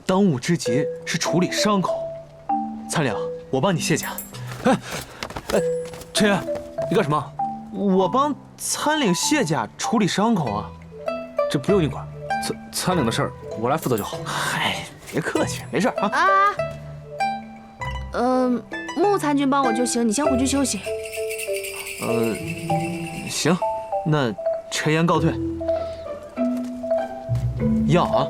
当务之急是处理伤口。参领，我帮你卸甲。 哎，陈岩，你干什么？ 我帮参领卸甲处理伤口啊。 这不用你管，参领的事儿我来负责就好。 嗨，别客气，没事啊。 穆参军帮我就行，你先回去休息。 行，那陈岩告退。要啊。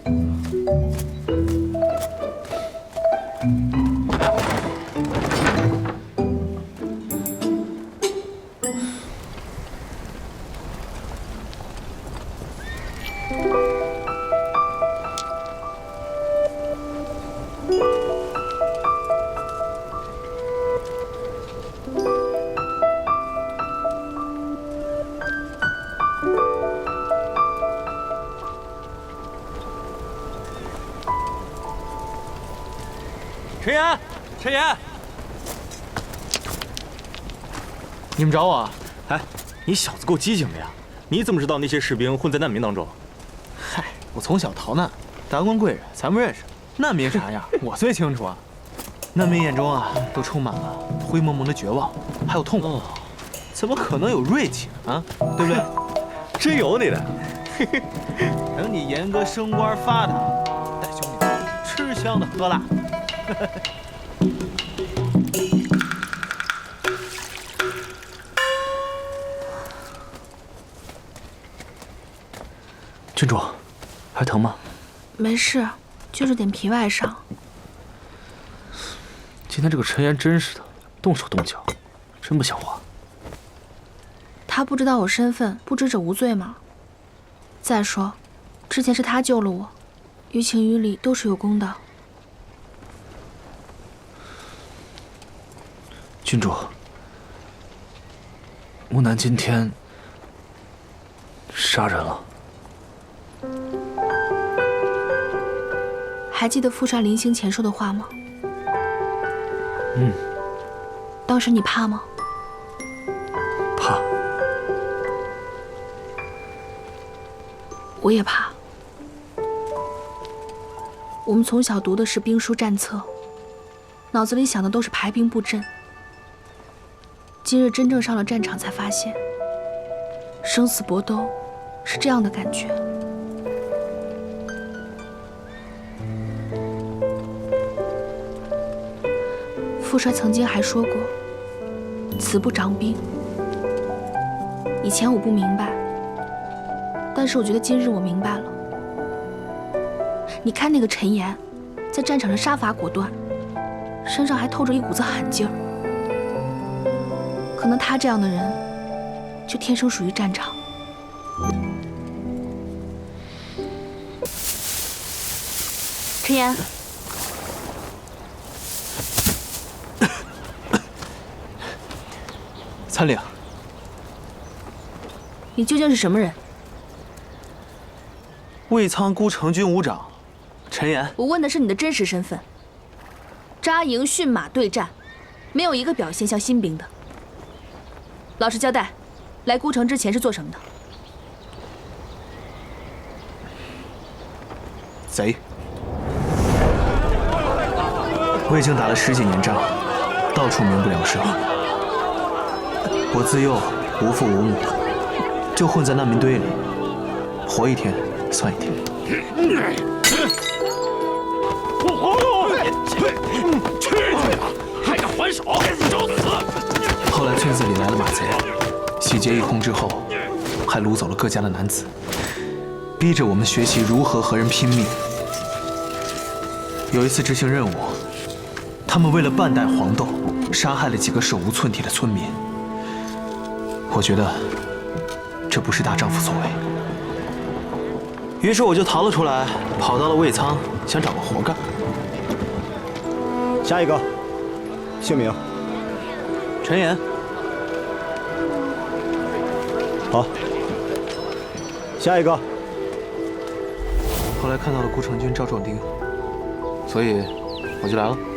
陈岩，陈岩， 你们找我啊？ 哎，你小子够机警的呀！你怎么知道那些士兵混在难民当中？ 嗨，我从小逃难，达官贵人咱不认识，难民啥样我最清楚啊。难民眼中啊，都充满了灰蒙蒙的绝望，还有痛苦，怎么可能有锐气啊？对不对？ 真有你的！ 等你严哥升官发达，带兄弟们吃香的喝辣。 郡主，还疼吗？ 没事，就是点皮外伤。 今天这个陈岩真是的，动手动脚，真不像话。 他不知道我身份，不知者无罪吗？再说，之前是他救了我，于情于理都是有功的。 郡主，木南今天杀人了。 还记得傅帅临行前说的话吗？ 嗯。 当时你怕吗？ 怕。 我也怕。我们从小读的是兵书战策，脑子里想的都是排兵布阵。今日真正上了战场，才发现，生死搏斗是这样的感觉。傅帅曾经还说过“此不长兵”。以前我不明白，但是我觉得今日我明白了。你看那个陈岩，在战场上杀伐果断，身上还透着一股子狠劲儿。可能他这样的人，就天生属于战场。陈岩， 参领， 你究竟是什么人？ 卫苍孤城军武长，陈岩。 我问的是你的真实身份。扎营驯马对战，没有一个表现像新兵的。老实交代，来孤城之前是做什么的？ 贼。我已经打了10几年仗，到处民不聊生。我自幼无父无母，就混在难民堆里，活一天算一天。 去呀！还敢还手，找死！ 后来村子里来了马贼，洗劫一空之后，还掳走了各家的男子，逼着我们学习如何和人拼命。有一次执行任务，他们为了半袋黄豆，杀害了几个手无寸铁的村民。我觉得这不是大丈夫所为，于是我就逃了出来，跑到了卫苍，想找个活干。 下一个，姓名。 陈岩。 好。下一个。 后来看到了孤城军赵壮丁，所以我就来了。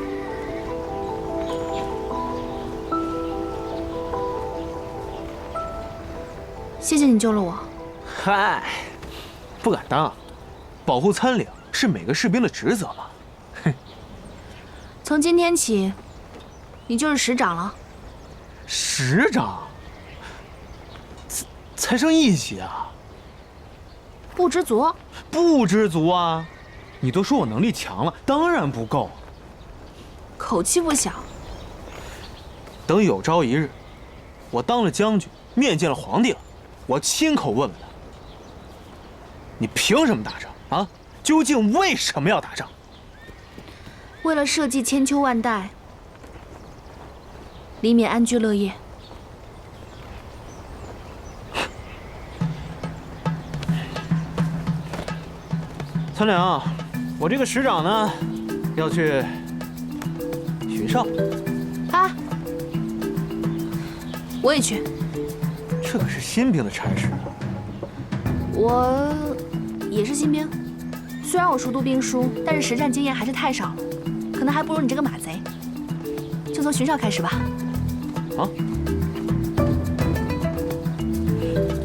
谢谢你救了我。 嗨，不敢当，保护参领是每个士兵的职责嘛。 从今天起，你就是师长了。 师长？才升1级啊！ 不知足？ 不知足啊！你都说我能力强了，当然不够。 口气不小。 等有朝一日，我当了将军，面见了皇帝了，我亲口问问他：你凭什么打仗啊？究竟为什么要打仗？ 为了社稷千秋万代，黎民安居乐业。 参粮，我这个师长呢，要去巡哨。 啊，我也去。 这可是新兵的差事啊！ 我也是新兵，虽然我熟读兵书，但是实战经验还是太少了，可能还不如你这个马贼。就从巡哨开始吧。 好。